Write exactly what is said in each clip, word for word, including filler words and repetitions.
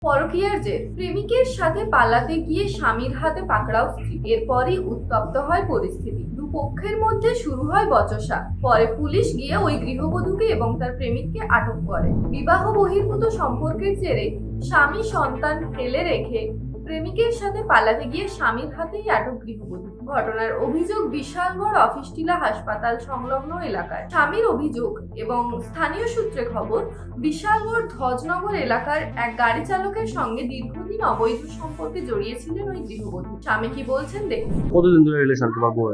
পরকীয়ার জের, প্রেমিকের সাথে পালাতে গিয়ে স্বামীর হাতে পাকড়াও স্ত্রী। এরপরই উত্তপ্ত হয় পরিস্থিতি, দুপক্ষের মধ্যে শুরু হয় বচসা। পরে পুলিশ গিয়ে ওই গৃহবধূকে এবং তার প্রেমিককে আটক করে। বিবাহ বহির্ভূত সম্পর্কের জেরে স্বামী সন্তান ফেলে রেখে প্রেমিকের সাথে পালাতে গিয়ে স্বামীর হাতেই আটক গৃহবধূ। ঘটনার অভিযোগ বিশালগড় অফিসটিলা হাসপাতাল সংলগ্ন এলাকায়। স্বামীর অভিযোগ এবং স্থানীয় সূত্রে খবর, বিশালগড় ধ্বজনগর এলাকার এক গাড়ি চালকের সঙ্গে দীর্ঘদিন অবৈধ সম্পর্কে জড়িয়েছিলেন ওই গৃহবধূ। স্বামী কি বলছেন দেখুন। কতদিন ধরে রিলেশন তোমার বউয়ের?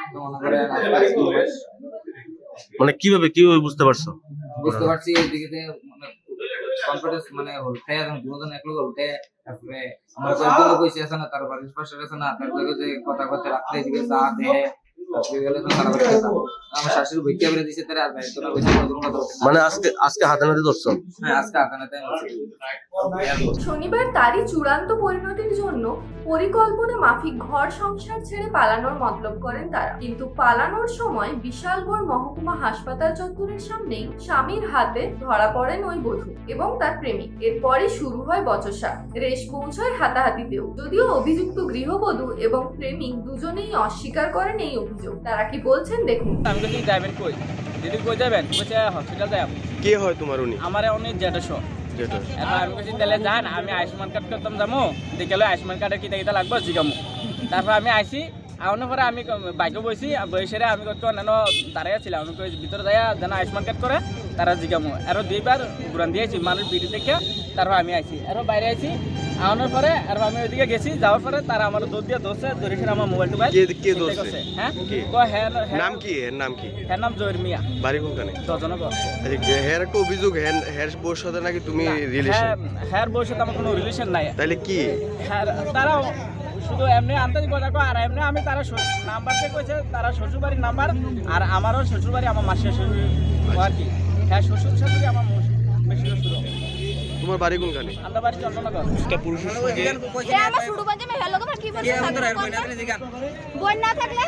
মানে কিভাবে কিভাবে বুঝতে পারছো? বুঝতে পারছি এইদিকে মানে কনফিডেন্স মানে হলতে এবং দুজন একলগ হলতে তারপরে আমরা কয়েকজন কইছি আছে না তার বাড়ির পাশে আছে না তার লগে যে কথা কথা রাখতে এদিকে চা দেয় তারপরে গেলে তো তার বাড়ি যেতাম আমার শাশুড়ি বইকে বলে দিছে তার আর ভাই তো না কইছে নতুন কথা মানে আজকে আজকে হাতে নাতে ধরছো? হ্যাঁ আজকে আকানাতে শনিবার তারই চূড়ান্ত পরিণতির জন্য পরিকল্পনা মাফিক ঘর সংসার ছেড়ে পালানোর মতলব করেন তারা। কিন্তু পালানোর সময় বিশালগড় মহকুমা হাসপাতাল চত্বরের সামনেই স্বামীর হাতে ধরা পড়েন ওই বধূ এবং তার প্রেমিক। এরপরই শুরু হয় বচসা, রেশ পৌঁছয় হাতাহাতিতেও। যদিও অভিযুক্ত গৃহবধূ এবং প্রেমিক দুজনেই অস্বীকার করেন এই অভিযোগ। তারা কি বলছেন দেখুন। আমি বলছি যাবেন কই? দিদি কই যাবেন? বলছে হসপিটাল যাব। কে হয় তোমার উনি? আমার অনেক জেঠশো। যেটা এবার আমি বলছি তাহলে যান, আমি আয়ুষ্মান কার্ড করতাম যাবো, দেখলে আয়ুষ্মান কার্ডের কিতা কিতা লাগবে জিগামো। তারপর আমি আইসি আউনের পরে আমি বাইকে বসি বসে আমি কত অন্যান্য দাঁড়াই ছিলাম, আমি ভিতরে যাইয়া যেন আয়ুষ্মান কার্ড করে তারা জিগামো। আরও দুইবার ঘুরান দিয়েছি মানুষ বিড়ি দেখে। তারপর আমি আইসি আরও বাইরে আইসি আউনের পরে আর আমি ওইদিকে গেছি, যাওয়ার পরে তারা আমার দৌড় দিয়ে ধরছে, ধরে ফিরে আমার মোবাইল টোবাইল কে ধরছে? হ্যাঁ নাম কি? এর নাম কি? হ্যাঁ নাম জহির মিয়া, বাড়ি কোনখানে? দশজনগর। আচ্ছা, হের একটা অভিযোগ হের হের বউর সাথে নাকি তুমি রিলেশন? হ্যাঁ বউর সাথে আমার কোনো রিলেশন নাই। তাহলে কি? হ্যাঁ তারা শুধু এমনি আন্দাজ কথা কয়, আর এমনি আমি তারা নাম্বার থেকে কইছে তারা শ্বশুরবাড়ির নাম্বার, আর আমারও শ্বশুরবাড়ি আমার মাসির শ্বশুর আর কি। হ্যাঁ শ্বশুর শাশুড়ি আমার বেশি শ্বশুর। তোমার বাড়ি কোনখানে? আমার বাড়ি চন্দননগর। একটা পুরুষের সঙ্গে আমার শুরু বাজে মে হেলো তোমার কি বলছো? বই না থাকলে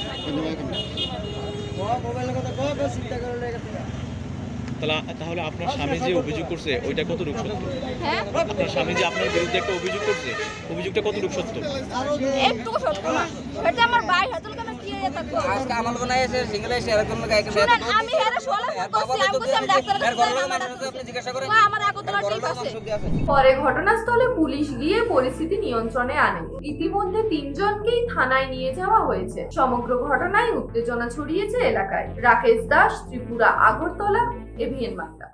তাহলে আপনার স্বামী যে অভিযোগ করছে ওইটা কতটুকু সত্য? হ্যাঁ আপনার স্বামী যে আপনার বিরুদ্ধে একটা অভিযোগ করছে, অভিযোগটা কতটুকু সত্য? একটু সত্য না, এটা আমার ভাই হাতুল কেন কি হয়ে থাকবো? আজকে আমার কোন আইছে সিঙ্গেল আইছে এরকম লোক আইছে শুনেন আমি হেরে সোলা করছি, আমি কইছি আমি ডাক্তারের এর কাছে ঘরের আমার মানুষ আপনি জিজ্ঞাসা করেন আমার আগতলা ঠিক আছে। পরে ঘটনাস্থলে পুলিশ গিয়ে পরিস্থিতি নিয়ন্ত্রণে আনে। ইতিমধ্যে তিনজনকেই থানায় নিয়ে যাওয়া হয়েছে। সমগ্র ঘটনায় উত্তেজনা ছড়িয়েছে এলাকায়। রাকেশ দাস, ত্রিপুরা, আগরতলা, এভিএন বার্তা।